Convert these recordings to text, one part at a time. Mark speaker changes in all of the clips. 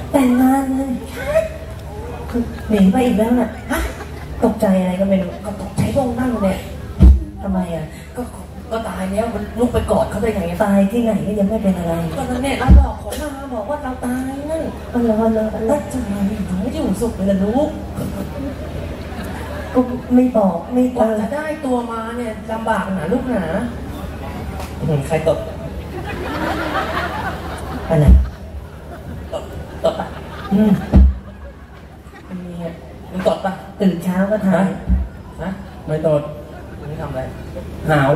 Speaker 1: แต่งงานเลยหนีไปอีกแล้วน่ะฮะตกใจอะไรก็ไม่รู้ก็ตกใจพวกนั่งเนี่ยทำไมอ่ะก็ตายแล้วมันลุกไปกอดเขาได้ไงตายที่ไหนก็ยังไม่เป็นอะไรก็นั่นเนี่ยเราบอกของมาบอกว่าเราตายนั่นแล้วทำไมถึงไม่อยู่สุขเลยล่ะลูกก็ไม่บอกไม่กว่าจะได้ตัวมาเนี่ยลำบากหนาลูกหนาใครตบอะไรตบปะมึงตดปะตื่นเช้าก็ทายนะไม่ตดมึงทำอะไรหาว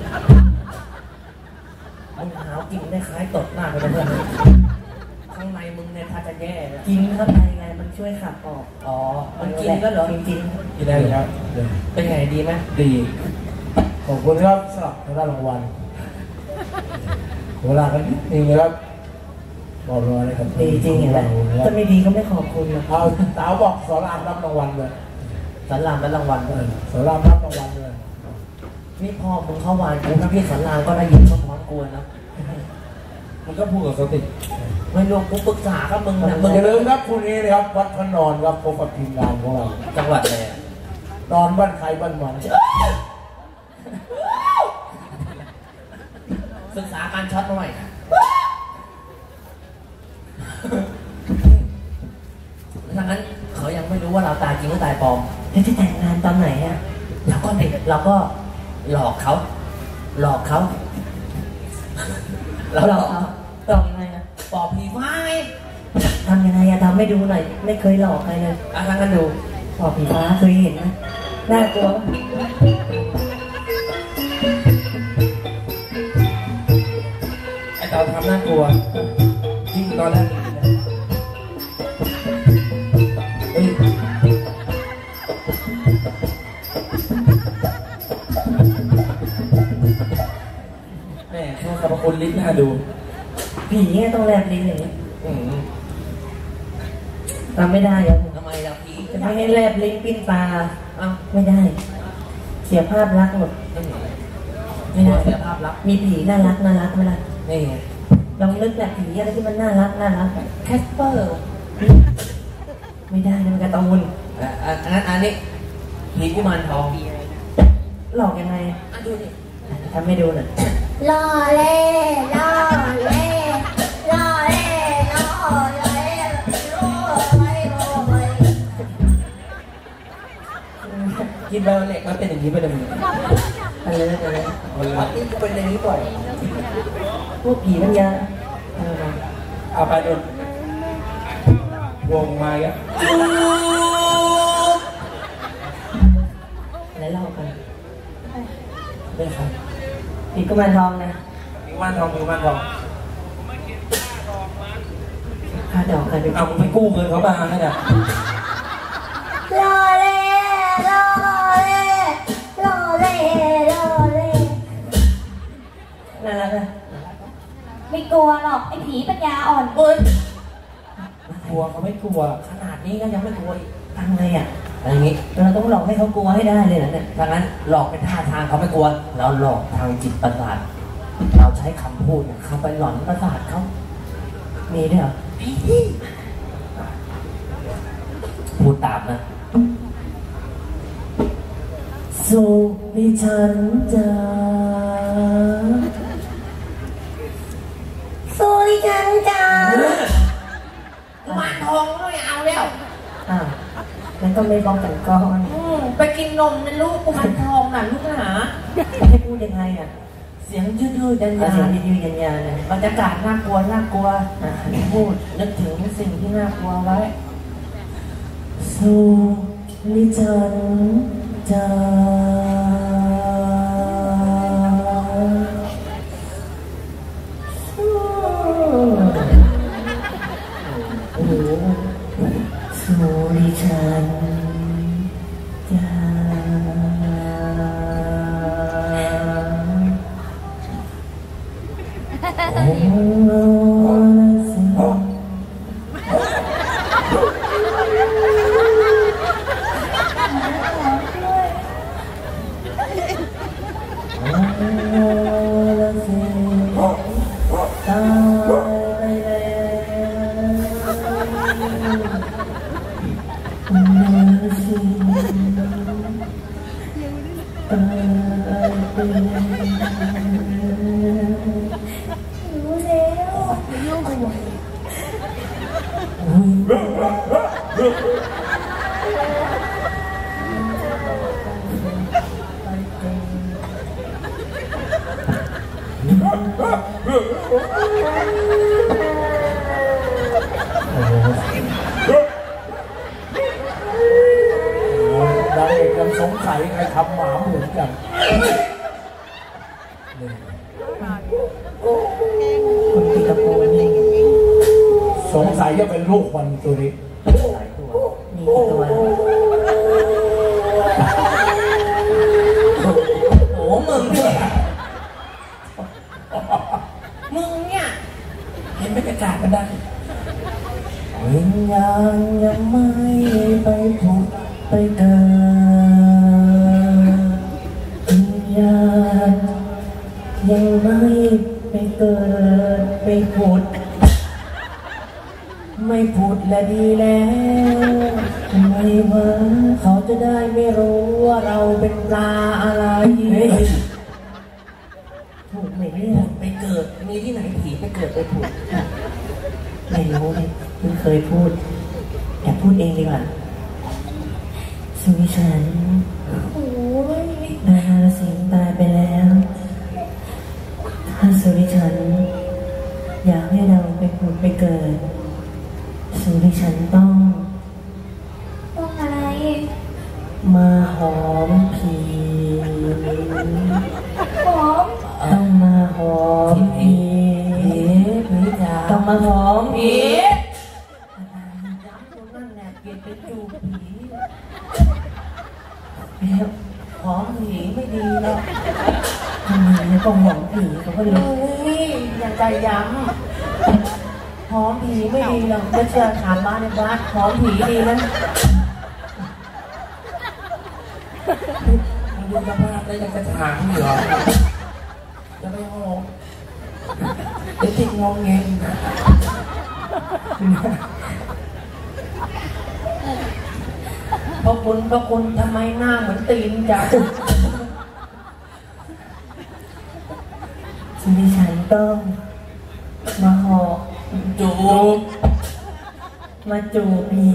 Speaker 1: มึงหาวกินได้คล้ายตดมากเลยเพื่อนข้างในมึงเนี่ยถ้าจะแย่กินเข้าไปไงมันช่วยขับออกอ๋อมันกินก็เหรอกินได้ครับเป็นไงดีไหมดีขอบคุณครับสำหรับได้รางวัลเวลากันนี่ครับบอกเลยครับดีจริงอย่างไรถ้าไม่ดีก็ไม่ขอบคุณนะเอาสาวบอกสอนรามรับรางวัลเลยสอนรามรับรางวัลเลยสอนรามรับรางวัลเลยนี่พ่อมึงเข้าวานกูถ้าพี่สอนรามก็ได้ยินเขาพร้อมกูนะมันก็พูดกับเขาติดไม่รู้กูปรึกษากับมึงนะมึงอย่าลืมครับพรุ่งนี้นะครับวัดพระนอนครับพบกับทีมงานของเราจังหวัดอะไรนอนบ้านใครบ้านมันศึกษาการช็อตหน่อยถ้างั้นเขายังไม่รู้ว่าเราตายจริงหรือตายปลอมแล้วจะแต่งงานตอนไหนอ่ะเราก็หลอกเขาหลอกยังไงนะปอบผีฟ้าไงทำยังไงอะทำไม่ดูหน่อยไม่เคยหลอกใครเลยทำกันดูปอบผีฟ้าเคยเห็นนะน่ากลัวไอ้เต่าทำน่ากลัวยิ่งตอนแรกแม่ชอบสรรพคุณลิ้นน่าดูผีเนี่ยต้องแลบลิ้นอย่างนี้ทำไม่ได้ยังทำไมล่ะผีจะไม่ให้แลบลิ้นปิ้นตาอ้าวไม่ได้เสียภาพลักษณ์หมดไม่ได้เสียภาพลักษณ์มีผีน่ารักไหมล่ะนี่ลองนึกแบบผีอะไรที่มันน่ารักแคสเปอร์ไม่ได้มันการ์ตูนอันนี้ผีกุมารทองหลอกยังไงดูดิทำให้ดูหน่อยล่อเล่กินไบโอเล็กมันเป็นอย่างนี้ไปเลยมึงอะไรวัดนี้กูเป็นอย่างนี้บ่อยพวกผีมันยาเอาไปดูวงมาอ่ะอะไรเล่ากันได้ครับผีกุมารทองนะผีกุมารทองค่าดอกกันเอามึงไปกู้เงินเขามาให้เนี่ยล่อเล่น่ารักนะไม่กลัวหรอกไอ้ผีปัญญาอ่อนกลัวเขาไม่กลัวขนาดนี้ก็ยังไม่กลัวทำไงอ่ะอะไรอย่างนี้เราต้องหลอกให้เขากลัวให้ได้เลยนะเนี่ยดังนั้นหลอกเป็นท่าทางเขาไม่กลัวเราหลอกทางจิตประสาทเราใช้คำพูดเขาไปหลอนประสาทเขามีด้วยเหรอพูดตามนะสุวิชันจาสุวิชันจากุมารทองไม่เอาแล้วงั้นก็ไม่บอกกันก่อนไปกินนมนะลูกกุมารทองน่ะลูกหาให้พูดยังไงอ่ะเสียงยืดๆยันๆบรรยากาศน่ากลัวพูดนึกถึงสิ่งที่น่ากลัวไว้สุวิชันจาสุริชันจาโอ้
Speaker 2: รู้
Speaker 3: นางเอกยังสงสัยใครทำหมาเหมือนกัน
Speaker 1: คนตีตะโพนนี่
Speaker 3: สงสัยจะเป็นลูกมันตัวนี้
Speaker 1: หลายตัวมีกี่ตัวโอ้มึงเนี่ยเห็นบรรยากาศมันได้วิญญาณยังไม่ไปผุดไปเกิดวิญญาณยังไม่ไปเกิดไปผุดไม่ผุดและดีแล้วทำไมวะเขาจะได้ไม่รู้ว่าเราเป็นปลาอะไรถูกไหมเนี่ยไปเกิดมีที่ไหนผีไปเกิดไปผุดไม่รู้เลยเพิ่งเคยพูดแต่พูดเองดีกว่าสุวิชันนายนรสิงห์ตายไปแล้วถ้าสุวิชันอยากให้เราไปผุดไปเกิดสุวิชันต้อง
Speaker 2: อะไร
Speaker 1: มาหอมผี
Speaker 2: หอม
Speaker 1: ต้องมาหอมผีต้องมาหอมผีย้ำตรงนั้นแหละเปลี่ยนเป็นจูบผีแล้วหอมผีไม่ดีหรอกทำไมต้องหอมผีเขาก็เลยอย่างใจย้ำหอมผีไม่ดีหรอกจะเชื่อถามบ้านในบ้านหอมผีดีนะมันดูสภาพแล้วยังจะถามอยู่เหรอจะไม่หอมจะติดงงเงงพระคุณทำไมหน้าเหมือนตีนจังชีวิตฉันต้องมาหอจูบมาจูบผี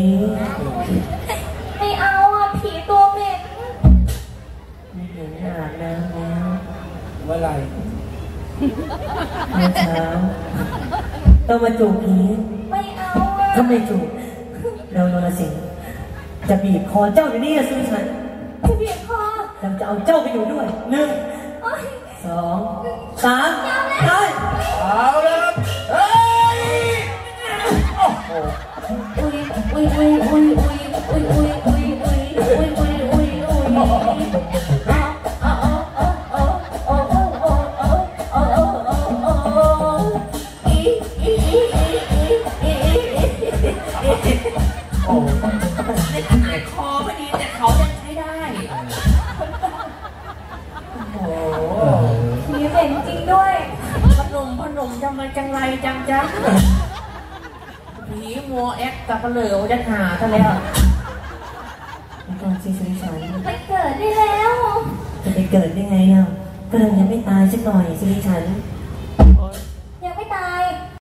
Speaker 2: ไม่เอาอ่ะผีตัวเหม็น
Speaker 1: ไม่เห็นหน้าแล้ว
Speaker 3: เมื่อไหร่
Speaker 1: เมื่อเช้าต้องมาจูบผี
Speaker 2: ไม่เอาอ่ะ
Speaker 1: ถ้าไม่จูบเราโนรสิงห์จะบีบคอเจ้าอยู่นี่นะสุวิชัน
Speaker 2: จะบีบคอ
Speaker 1: เราจะเอาเจ้าไปอยู่ด้วย1 2 3ได้
Speaker 3: เอาเลยเฮ้ยโอ้โห
Speaker 1: คอไม่ดีแต่เขายังใช้ได้โอ้
Speaker 2: ผีเหม็นจริงด้วย
Speaker 1: พนมทำไมจังไรจังจ๊ะผีมัวแอคกับเหลวจะหาซะแล้วตอนซีซันชัน
Speaker 2: ไปเกิดได้แล้ว
Speaker 1: จะไปเกิดได้ไงอ่ะก็เลยยังไม่ตายสักหน่อยซีซัน